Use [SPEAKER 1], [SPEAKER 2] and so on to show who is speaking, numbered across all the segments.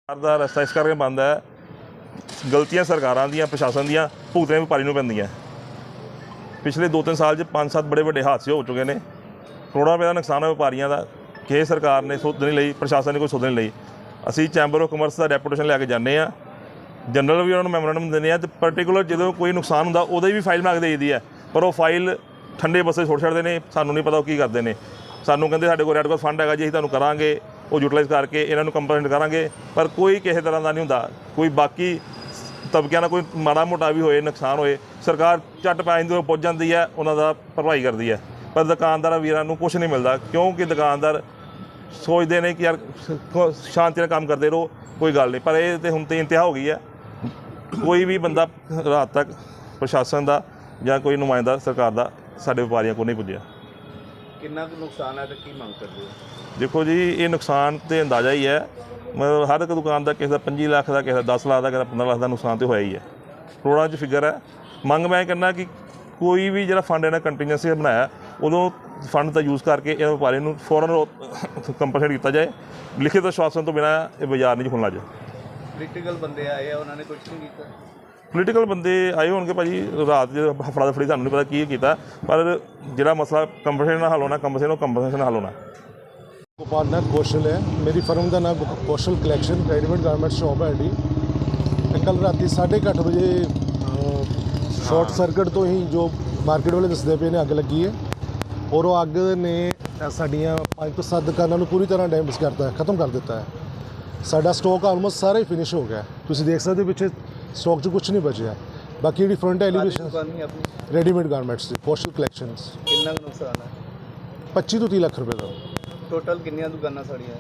[SPEAKER 1] ਦਾ ਰਸਤਾ ਇਸ ਕਰਕੇ ਬੰਦ ਹੈ, ਗਲਤੀਆਂ ਸਰਕਾਰਾਂ ਦੀਆਂ, ਪ੍ਰਸ਼ਾਸਨ ਦੀਆਂ ਭੁਗਤਣੀਆਂ ਵਪਾਰੀ ਨੂੰ ਪੈਂਦੀਆਂ। ਪਿਛਲੇ 2-3 ਸਾਲ 'ਚ 5-7 ਬੜੇ ਵੱਡੇ ਹਾਦਸੇ ਹੋ ਚੁੱਕੇ ਨੇ। ਕਰੋੜਾਂ ਰੁਪਏ ਦਾ ਨੁਕਸਾਨ ਹੈ ਵਪਾਰੀਆਂ ਦਾ। ਕਿਸੇ ਸਰਕਾਰ ਨੇ ਸੁਧ ਨਹੀਂ ਲਈ, ਪ੍ਰਸ਼ਾਸਨ ਨੇ ਕੋਈ ਸੁਧ ਨਹੀਂ ਲਈ। ਅਸੀਂ ਚੈਂਬਰ ਆਫ ਕਮਰਸ ਦਾ ਡੈਪੂਟੇਸ਼ਨ ਲੈ ਕੇ ਜਾਂਦੇ ਹਾਂ, ਜਨਰਲ ਵੀ ਉਹਨਾਂ ਨੂੰ ਮੈਮੋਰੈਂਡਮ ਦਿੰਦੇ ਹਾਂ, ਅਤੇ ਪਰਟੀਕੂਲਰ ਜਦੋਂ ਕੋਈ ਨੁਕਸਾਨ ਹੁੰਦਾ ਉਹਦੀ ਵੀ ਫਾਈਲ ਬਣਾ ਕੇ ਦੇ ਦਿੱਤੀ ਹੈ, ਪਰ ਉਹ ਫਾਈਲ ਠੰਡੇ ਬੱਸੇ ਛੋੜ ਛੱਡਦੇ ਨੇ। ਸਾਨੂੰ ਨਹੀਂ ਪਤਾ ਉਹ ਕੀ ਕਰਦੇ ਨੇ। ਸਾਨੂੰ ਕਹਿੰਦੇ ਸਾਡੇ ਕੋਲ ਰੈੱਡ ਕ੍ਰਾਸ ਫੰਡ ਹੈਗਾ ਜੀ, ਅਸੀਂ ਤੁਹਾਨੂੰ ਕਰਾਂਗੇ, ਉਹ ਯੂਟੀਲਾਈਜ਼ ਕਰਕੇ ਇਹਨਾਂ ਨੂੰ ਕੰਪਲੇਂਟ ਕਰਾਂਗੇ, ਪਰ ਕੋਈ ਕਿਸੇ ਤਰ੍ਹਾਂ ਦਾ ਨਹੀਂ ਹੁੰਦਾ। ਕੋਈ ਬਾਕੀ ਤਬਕਿਆਂ ਦਾ ਕੋਈ ਮਾੜਾ ਮੋਟਾ ਵੀ ਹੋਏ, ਨੁਕਸਾਨ ਹੋਏ, ਸਰਕਾਰ ਝੱਟ ਪੈ ਜਾਂਦੀ, ਪੁੱਜ ਜਾਂਦੀ ਹੈ, ਉਹਨਾਂ ਦਾ ਭਰਪਾਈ ਕਰਦੀ ਹੈ। ਪਰ ਦੁਕਾਨਦਾਰਾਂ ਵੀਰਾਂ ਨੂੰ ਕੁਛ ਨਹੀਂ ਮਿਲਦਾ, ਕਿਉਂਕਿ ਦੁਕਾਨਦਾਰ ਸੋਚਦੇ ਨੇ ਕਿ ਯਾਰ ਸ਼ਾਂਤੀ ਨਾਲ ਕੰਮ ਕਰਦੇ ਰਹੋ, ਕੋਈ ਗੱਲ ਨਹੀਂ। ਪਰ ਇਹ ਤਾਂ ਹੁਣ ਤਾਂ ਇੰਤਹਾ ਹੋ ਗਈ ਹੈ। ਕੋਈ ਵੀ ਬੰਦਾ ਰਾਤ ਤੱਕ ਪ੍ਰਸ਼ਾਸਨ ਦਾ ਜਾਂ ਕੋਈ ਨੁਮਾਇੰਦਾ ਸਰਕਾਰ ਦਾ ਸਾਡੇ ਵਪਾਰੀਆਂ ਕੋਲ ਨਹੀਂ ਪੁੱਜਿਆ।
[SPEAKER 2] ਕਿੰਨਾ ਕੁ ਨੁਕਸਾਨ ਹੈ ਤੇ ਕੀ ਮੰਗ ਕਰਦੇ ਹੋ?
[SPEAKER 1] ਦੇਖੋ ਜੀ, ਇਹ ਨੁਕਸਾਨ ਤਾਂ ਅੰਦਾਜ਼ਾ ਹੀ ਹੈ, ਮਤਲਬ ਹਰ ਇੱਕ ਦੁਕਾਨ ਦਾ, ਕਿਸੇ ਦਾ 25 ਲੱਖ ਦਾ, ਕਿਸੇ ਦਾ 10 ਲੱਖ ਦਾ, ਕਿਸੇ ਦਾ 15 ਲੱਖ ਦਾ ਨੁਕਸਾਨ ਤਾਂ ਹੋਇਆ ਹੀ ਹੈ। ਕਰੋੜਾਂ 'ਚ ਫਿਗਰ ਹੈ। ਮੰਗ ਮੈਂ ਕਹਿੰਦਾ ਕਿ ਕੋਈ ਵੀ ਜਿਹੜਾ ਫੰਡ ਇਹਨਾਂ ਕੰਟੀਨਿਊਸੀ ਬਣਾਇਆ, ਉਦੋਂ ਫੰਡ ਦਾ ਯੂਜ਼ ਕਰਕੇ ਇਹ ਵਪਾਰੀ ਨੂੰ ਫੌਰਨ ਕੰਪਨਸੇਟ ਕੀਤਾ ਜਾਏ। ਲਿਖਿਤ ਆਸ਼ਵਾਸਨ ਤੋਂ ਬਿਨਾਂ ਇਹ ਬਾਜ਼ਾਰ ਨਹੀਂ ਖੁੱਲ੍ਹਣਾ ਜਾਏ।
[SPEAKER 2] ਪੋਲੀਟੀਕਲ ਬੰਦੇ ਆਏ ਆ, ਉਹਨਾਂ ਨੇ ਕੁਝ ਨਹੀਂ ਕੀਤਾ।
[SPEAKER 1] ਪੋਲੀਟੀਕਲ ਬੰਦੇ ਆਏ ਹੋਣਗੇ ਭਾਜੀ, ਰਾਤ ਦੇ ਫੜਾ ਦਫੜੀ ਸਾਨੂੰ ਨਹੀਂ ਪਤਾ ਕੀ ਕੀਤਾ, ਪਰ ਜਿਹੜਾ ਮਸਲਾ ਕੰਪਨਸੇਸ਼ਨ ਨਾਲ ਹੱਲ ਹੋਣਾ, ਕੰਪਨਸੇਸ਼ਨ ਨਾਲ ਹੱਲ ਹੋਣਾ।
[SPEAKER 3] ਗੋਪਾਲ ਨਾਥ ਕੌਸ਼ਲ ਹੈ, ਮੇਰੀ ਫਰਮ ਦਾ ਨਾਮ Kaushal collection readymade garment shop ਹੈ ਜੀ। ਕੱਲ੍ਹ ਰਾਤੀ 8:30 ਵਜੇ ਸ਼ਾਰਟ ਸਰਕਟ ਤੋਂ ਹੀ ਜੋ ਮਾਰਕੀਟ ਵਾਲੇ ਦੱਸਦੇ ਪਏ ਨੇ ਅੱਗ ਲੱਗੀ ਹੈ, ਔਰ ਉਹ ਅੱਗ ਨੇ ਸਾਡੀਆਂ 5 ਤੋਂ 7 ਦੁਕਾਨਾਂ ਨੂੰ ਪੂਰੀ ਤਰ੍ਹਾਂ ਡੈਮੇਜ ਕਰਤਾ ਹੈ, ਖਤਮ ਕਰ ਦਿੱਤਾ ਹੈ। ਸਾਡਾ ਸਟਾਕ ਆਲਮੋਸਟ ਸਾਰਾ ਹੀ ਫਿਨਿਸ਼ ਹੋ ਗਿਆ। ਤੁਸੀਂ ਦੇਖ ਸਕਦੇ ਪਿੱਛੇ ਸਟਾਕ 'ਚ ਕੁਝ ਨਹੀਂ ਬਚਿਆ। ਬਾਕੀ ਜਿਹੜੀ ਫਰੰਟ ਐਲੀਵੇਸ਼ਨ ਰੈਡੀਮੇਡ ਗਾਰਮੈਂਟਸ ਦੀ ਕੌਸ਼ਲ ਕਲੈਕਸ਼ਨਸ।
[SPEAKER 2] ਕਿੰਨਾ ਕੁ ਨੁਕਸਾਨ ਹੈ?
[SPEAKER 3] 25 ਤੋਂ 30 ਲੱਖ ਰੁਪਏ ਦਾ।
[SPEAKER 2] ਟੋਟਲ ਕਿੰਨੀਆਂ ਦੁਕਾਨਾਂ ਸਾੜੀਆਂ?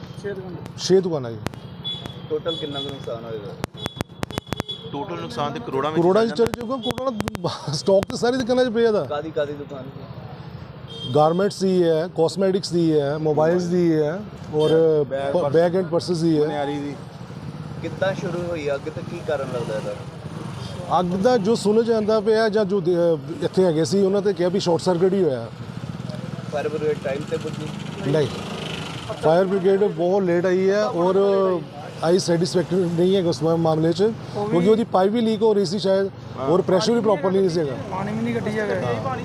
[SPEAKER 3] 6 ਦੁਕਾਨਾਂ ਜੀ।
[SPEAKER 2] ਟੋਟਲ ਕਿੰਨਾ ਕੁ ਨੁਕਸਾਨ ਹੋਏਗਾ?
[SPEAKER 4] ਟੋਟਲ ਨੁਕਸਾਨ ਤੇ ਕਰੋੜਾਂ
[SPEAKER 3] ਚ ਚਲੇ ਜਾਊਗਾ। ਕਰੋੜਾਂ ਦਾ ਸਟਾਕ ਤੇ ਸਾਰੀ ਦੁਕਾਨਾਂ 'ਚ ਪਿਆ ਦਾ।
[SPEAKER 2] ਕਾਦੀ ਦੁਕਾਨ?
[SPEAKER 3] गारमेंट्स ਦੀ है, कॉस्मेटिक्स ਦੀ है, मोबाइल्स ਦੀ है और बैग एंड पर्सेस ਦੀ है।
[SPEAKER 2] ਕਿੱਦਾਂ ਸ਼ੁਰੂ ਹੋਈ ਅੱਗ ਤੇ ਕੀ ਕਾਰਨ ਲੱਗਦਾ ਇਹਦਾ?
[SPEAKER 3] ਅੱਗ ਦਾ ਜੋ ਸੁਣ ਜਾਂਦਾ ਪਿਆ ਜਾਂ ਜੋ ਇੱਥੇ ਹੈਗੇ ਸੀ ਉਹਨਾਂ ਤੇ ਕਿਹਾ ਵੀ ਸ਼ਾਰਟ ਸਰਕਟ ਹੀ ਹੋਇਆ।
[SPEAKER 2] ਫਾਇਰ ਬ੍ਰਿਗੇਡ ਟਾਈਮ ਤੇ ਪੁੱਜੀ
[SPEAKER 3] ਨਹੀਂ, फायर ब्रिगेड बहुत लेट आई है और आई सैटिस्फैक्टरी नहीं है उस मामले च, क्योंकि ਉਹਦੀ ਪਾਈਪ ਵੀ ਲੀਕ ਹੋ ਰਹੀ ਸੀ ਸ਼ਾਇਦ, ਔਰ ਪ੍ਰੈਸ਼ਰ ਵੀ ਪ੍ਰੋਪਰ ਨਹੀਂ ਸੀਗਾ।
[SPEAKER 5] ਪਾਣੀ ਵੀ ਨਹੀਂ ਕੱਢੀ ਜਾਵੇ।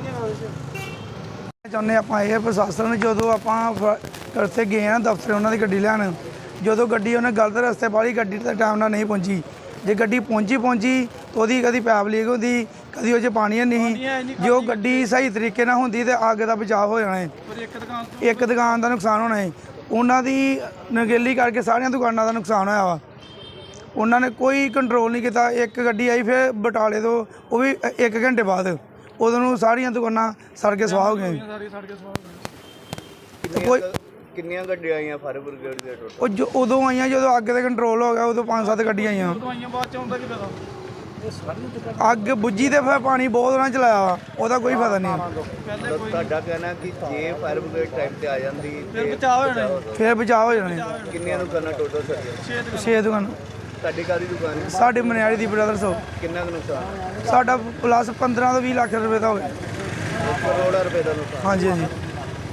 [SPEAKER 5] ਚਾਹੁੰਦੇ ਆਪਾਂ ਇਹ ਪ੍ਰਸ਼ਾਸਨ, ਜਦੋਂ ਆਪਾਂ ਰਸਤੇ ਗਏ ਆ ਦਫ਼ਤਰ ਉਹਨਾਂ ਦੀ ਗੱਡੀ ਲੈਣ, ਜਦੋਂ ਗੱਡੀ ਉਹਨੇ ਗਲਤ ਰਸਤੇ ਪਾਲੀ, ਗੱਡੀ ਤਾਂ ਟਾਈਮ ਨਾਲ ਨਹੀਂ ਪਹੁੰਚੀ। ਜੇ ਗੱਡੀ ਪਹੁੰਚੀ ਤਾਂ ਉਹਦੀ ਕਦੀ ਪੈਪ ਲੀਕ ਹੁੰਦੀ, ਕਦੀ ਉਹ 'ਚ ਪਾਣੀ ਨਹੀਂ। ਜੇ ਉਹ ਗੱਡੀ ਸਹੀ ਤਰੀਕੇ ਨਾਲ ਹੁੰਦੀ ਤਾਂ ਅੱਗ ਦਾ ਬਚਾਅ ਹੋ ਜਾਣਾ ਹੈ। ਇੱਕ ਦੁਕਾਨ ਦਾ ਨੁਕਸਾਨ ਹੋਣਾ ਹੈ। ਉਹਨਾਂ ਦੀ ਨਗੇਲੀ ਕਰਕੇ ਸਾਰੀਆਂ ਦੁਕਾਨਾਂ ਦਾ ਨੁਕਸਾਨ ਹੋਇਆ ਵਾ। ਉਹਨਾਂ ਨੇ ਕੋਈ ਕੰਟਰੋਲ ਨਹੀਂ ਕੀਤਾ। ਇੱਕ ਗੱਡੀ ਆਈ ਫਿਰ ਬਟਾਲੇ ਤੋਂ, ਉਹ ਵੀ 1 ਘੰਟੇ ਬਾਅਦ, ਉਦੋਂ ਨੂੰ ਸਾਰੀਆਂ ਦੁਕਾਨਾਂ ਸੜ ਕੇ ਸਵਾਹ ਹੋ ਗਈਆਂ।
[SPEAKER 2] ਕਿੰਨੀਆਂ ਗੱਡੀਆਂ ਆਈਆਂ ਫਾਇਰ ਬ੍ਰਿਗੇਡ ਦੇ ਟੋਟਲ?
[SPEAKER 5] ਉਹ ਉਦੋਂ ਆਈਆਂ ਜਦੋਂ ਅੱਗ ਤੇ ਕੰਟਰੋਲ ਹੋ ਗਿਆ, ਉਦੋਂ 5-7 ਗੱਡੀਆਂ ਆਈਆਂ। ਅੱਗ ਬੁੱਝੀ ਤੇ ਫਿਰ ਪਾਣੀ ਬਹੁਤ ਉਹਨਾਂ ਚਲਾਇਆ ਵਾ, ਉਹਦਾ ਕੋਈ ਫਾਇਦਾ ਨਹੀਂ।
[SPEAKER 2] ਤੁਹਾਡਾ ਕਹਿਣਾ ਕਿ ਜੇ ਫਾਇਰ ਬ੍ਰਿਗੇਡ ਟਾਈਮ ਤੇ ਆ ਜਾਂਦੀ
[SPEAKER 5] ਫਿਰ ਬਚਾਅ ਹੋ ਜਾਣਾ।
[SPEAKER 2] ਕਿੰਨੀਆਂ ਦੁਕਾਨਾਂ ਟੋਟਲ ਸਾਡੀਆਂ?
[SPEAKER 5] 6 ਦੁਕਾਨਾਂ।
[SPEAKER 2] ਤੁਹਾਡੀ ਕਾਹਦੀ ਦੁਕਾਨ ਹੈ?
[SPEAKER 5] ਸਾਡੇ ਮਨਿਆਰੀ ਦੀ ਬ੍ਰਦਰਸ ਹੋ।
[SPEAKER 2] ਕਿੰਨਾ ਕੁ ਨੁਕਸਾਨ?
[SPEAKER 5] ਸਾਡਾ ਪਲੱਸ 15 ਤੋਂ 20 ਲੱਖ ਰੁਪਏ ਦਾ ਹੋ ਗਿਆ।
[SPEAKER 2] ਕਰੋੜਾਂ ਰੁਪਏ ਦਾ ਨੁਕਸਾਨ।
[SPEAKER 5] ਹਾਂਜੀ।